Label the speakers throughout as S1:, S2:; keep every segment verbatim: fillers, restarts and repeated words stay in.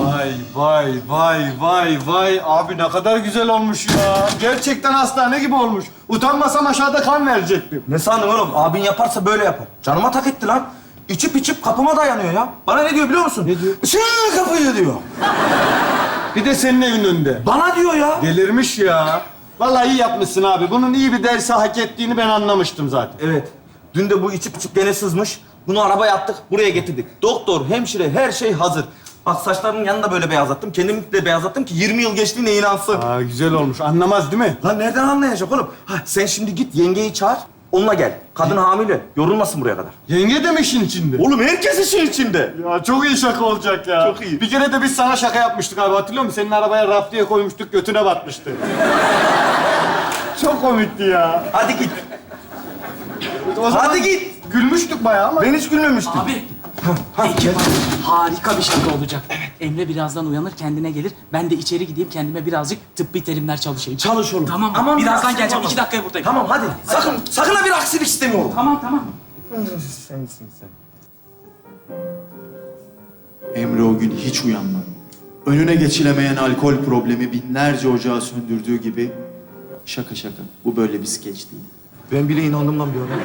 S1: Vay vay vay vay vay. Abi ne kadar güzel olmuş ya. Gerçekten hastane gibi olmuş. Utanmasam aşağıda kan verecektim.
S2: Ne sandın oğlum? Abin yaparsa böyle yapar. Canıma tak etti lan. İçip içip kapıma dayanıyor ya. Bana ne diyor biliyor musun?
S1: Ne diyor?
S2: Sen kapıyı diyor.
S1: Bir de senin evin önünde.
S2: Bana diyor ya.
S1: Delirmiş ya. Vallahi iyi yapmışsın abi. Bunun iyi bir dersi hak ettiğini ben anlamıştım zaten.
S2: Evet. Dün de bu içip içip gene sızmış. Bunu arabaya attık, buraya getirdik. Doktor, hemşire, her şey hazır. Bak saçlarının yanını da böyle beyazlattım. Kendimi de beyazlattım ki yirmi yıl geçtiğine inansın.
S1: Aa, güzel olmuş. Anlamaz değil mi?
S2: Lan nereden anlayacak oğlum? Ha, sen şimdi git yengeyi çağır, onunla gel. Kadın hamile, yorulmasın buraya kadar.
S1: Yenge de mi işin içinde?
S2: Oğlum herkes işin içinde.
S1: Ya çok iyi şaka olacak ya.
S2: Çok iyi.
S1: Bir kere de biz sana şaka yapmıştık abi, hatırlıyor musun? Senin arabaya raf diye koymuştuk, götüne batmıştı. Çok komikti ya.
S2: Hadi git.
S1: O zaman
S2: Hadi git.
S1: Gülmüştük bayağı ama.
S2: Ben hiç gülmemiştim.
S3: Abi,
S2: Ha, gel.
S3: harika bir şaka olacak. Emre birazdan uyanır, kendine gelir. Ben de içeri gideyim, kendime birazcık tıbbi terimler çalışayım.
S2: Çalış oğlum.
S3: Tamam,
S2: Aman bir
S3: birazdan
S2: aksilik
S3: geleceğim.
S2: olmasın.
S3: İki dakikaya buradayım.
S2: Tamam hadi. Sakın, sakın ha bir aksilik istemiyorum.
S3: Tamam, tamam.
S2: Sensin sen.
S4: Emre o gün hiç uyanmadı. Önüne geçilemeyen alkol problemi binlerce ocağı söndürdüğü gibi şaka şaka. Bu böyle bir skeç değil.
S2: Ben bile inandım lan bir ara.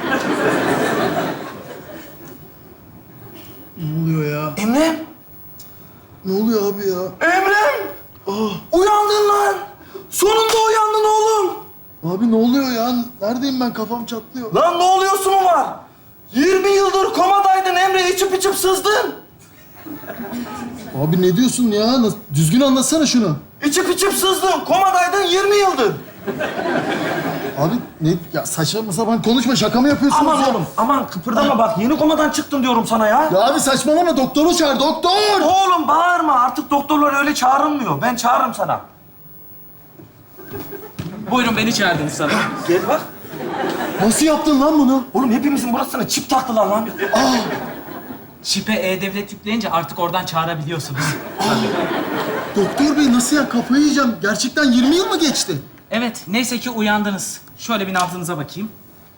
S4: Ne oluyor ya?
S2: Emrem!
S4: Ne oluyor abi ya?
S2: Emrem! Uyandın lan! Sonunda uyandın oğlum!
S4: Abi ne oluyor ya? Neredeyim ben? Kafam çatlıyor.
S2: Lan ne oluyorsun mu var? yirmi yıldır komadaydın Emre, içip içip sızdın.
S4: Abi ne diyorsun ya? Nasıl- Düzgün anlatsana şunu.
S2: İçip içip sızdın, komadaydın yirmi yıldır.
S4: Abi ne? Ya saçma sapan konuşma. Şaka mı yapıyorsunuz
S2: Aman
S4: ya?
S2: oğlum, aman kıpırdama bak. Yeni komadan çıktın diyorum sana ya.
S4: Ya abi saçmalama. Doktoru çağır. Doktor!
S2: Oğlum bağırma, artık doktorlar öyle çağrılmıyor. Ben çağırırım sana.
S3: Buyurun, beni çağırdınız sana.
S2: Gel bak.
S4: Nasıl yaptın lan bunu?
S2: Oğlum hepimizin burasına çip taktılar lan.
S3: Çipe E-Devlet yükleyince artık oradan çağırabiliyorsunuz.
S4: Doktor bey nasıl ya? Kafayı yiyeceğim. Gerçekten yirmi yıl mı geçti?
S3: Evet, neyse ki uyandınız. Şöyle bir nabzınıza bakayım.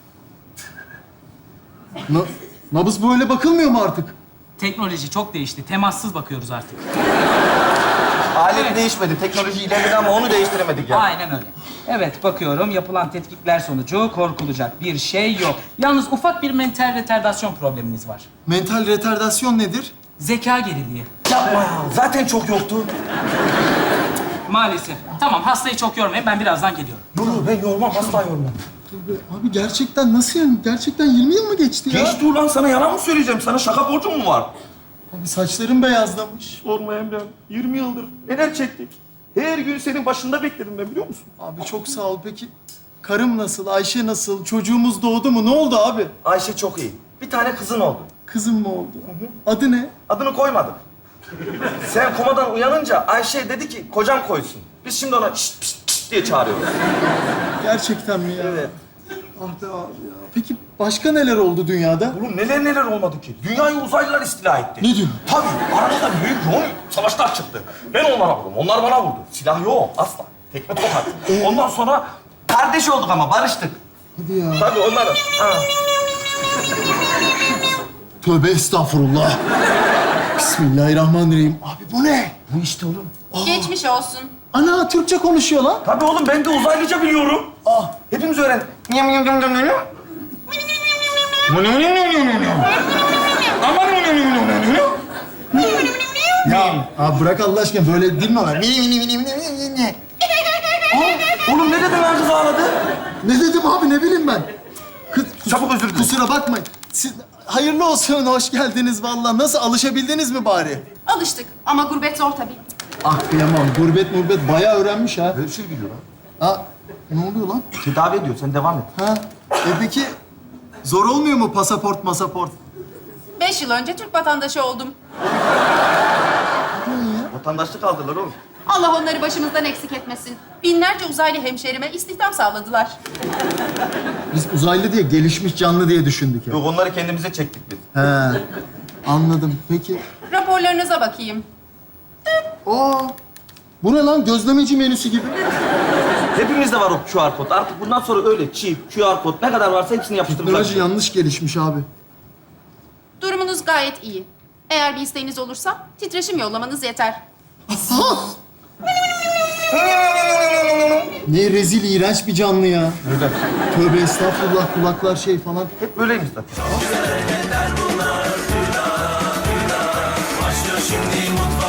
S4: Na nabız böyle bakılmıyor mu artık?
S3: Teknoloji çok değişti. Temassız bakıyoruz artık.
S2: Alet değişmedi, teknoloji ilerledi ama onu değiştiremedik ya.
S3: Aynen öyle. Evet, bakıyorum. Yapılan tetkikler sonucu korkulacak bir şey yok. Yalnız ufak bir mental retardasyon probleminiz var.
S4: Mental retardasyon nedir?
S3: Zeka geriliği.
S2: Yapma ya, zaten çok yoktu.
S3: Maalesef. Tamam, hastayı çok yormayın. Ben birazdan geliyorum.
S2: Dur dur, ben yormam, asla yormam.
S4: Abi gerçekten nasıl yani? Gerçekten yirmi yıl mı geçti ya?
S2: Geçti ulan, sana yalan mı söyleyeceğim? Sana şaka borcum mu var?
S4: Abi saçlarım beyazlamış.
S2: Sorma Emre'm, yirmi yıldır neler çektik. Her gün senin başında bekledim ben, biliyor musun?
S4: Abi çok sağ ol. Peki karım nasıl? Ayşe nasıl? Çocuğumuz doğdu mu? Ne oldu abi?
S2: Ayşe çok iyi. Bir tane kızın oldu.
S4: Kızım mı oldu? Adı ne?
S2: Adını koymadık. Sen komadan uyanınca Ayşe dedi ki kocam koysun. Biz şimdi ona şşt pşt pşt diye çağırıyoruz.
S4: Gerçekten mi ya?
S2: Evet.
S4: Ah be abi ya. Peki başka neler oldu dünyada?
S2: Oğlum neler neler olmadı ki. Dünyayı uzaylılar istila etti.
S4: Ne diyorsun?
S2: Tabii. Aramızda büyük yoğun savaşlar çıktı. Ben onlara vurdum. Onlar bana vurdu. Silah yok. Asla. Tekme tokat. Ondan sonra kardeş olduk ama barıştık.
S4: Hadi ya.
S2: Tabii onlar... Ha.
S4: Tövbe estağfurullah. Bismillahirrahmanirrahim. Abi bu ne?
S2: Bu işte oğlum.
S5: Geçmiş olsun.
S4: Ana Türkçe konuşuyor lan.
S2: Tabii oğlum ben de uzaylıca biliyorum. Ah. Hepimiz öğren.
S4: Ya abi bırak Allah aşkına böyle değil mi var?
S2: Oğlum ne dedin lan, kız ağladı?
S4: Ne dedim abi ne bileyim ben. Kız, kus-
S2: Çabuk özür dilerim.
S4: Kusura bakmayın. Siz, hayırlı olsun, hoş geldiniz vallahi. Nasıl, alışabildiniz mi bari?
S5: Alıştık ama gurbet zor tabii.
S4: Ah kıyamam, gurbet murbet bayağı öğrenmiş ha.
S2: Böyle bir şey biliyor lan.
S4: Ha, ne oluyor lan?
S2: Tedavi ediyor, sen devam et.
S4: Ha, e peki zor olmuyor mu pasaport masaport?
S5: Beş yıl önce Türk vatandaşı oldum.
S2: Vatandaşlık aldılar oğlum.
S5: Allah onları başımızdan eksik etmesin. Binlerce uzaylı hemşehrime istihdam sağladılar.
S4: Biz uzaylı diye, gelişmiş canlı diye düşündük ya.
S2: Yok, onları kendimize çektik biz.
S4: He, anladım. Peki,
S5: Raporlarınıza bakayım.
S4: aa, bu ne lan? Gözlemeci menüsü gibi.
S2: Hepimizde var o Q R kod. Artık bundan sonra öyle çip, Q R kod ne kadar varsa hepsini yapıştıracağız.
S4: Teknoloji yanlış gelişmiş abi.
S5: Durumunuz gayet iyi. Eğer bir isteğiniz olursa titreşim yollamanız yeter.
S4: Ne rezil, iğrenç bir canlı ya.
S2: Öyle.
S4: Tövbe estağfurullah, kulaklar şey falan.
S2: Hep böyleymiş zaten.
S6: Başlıyor şimdi mutlu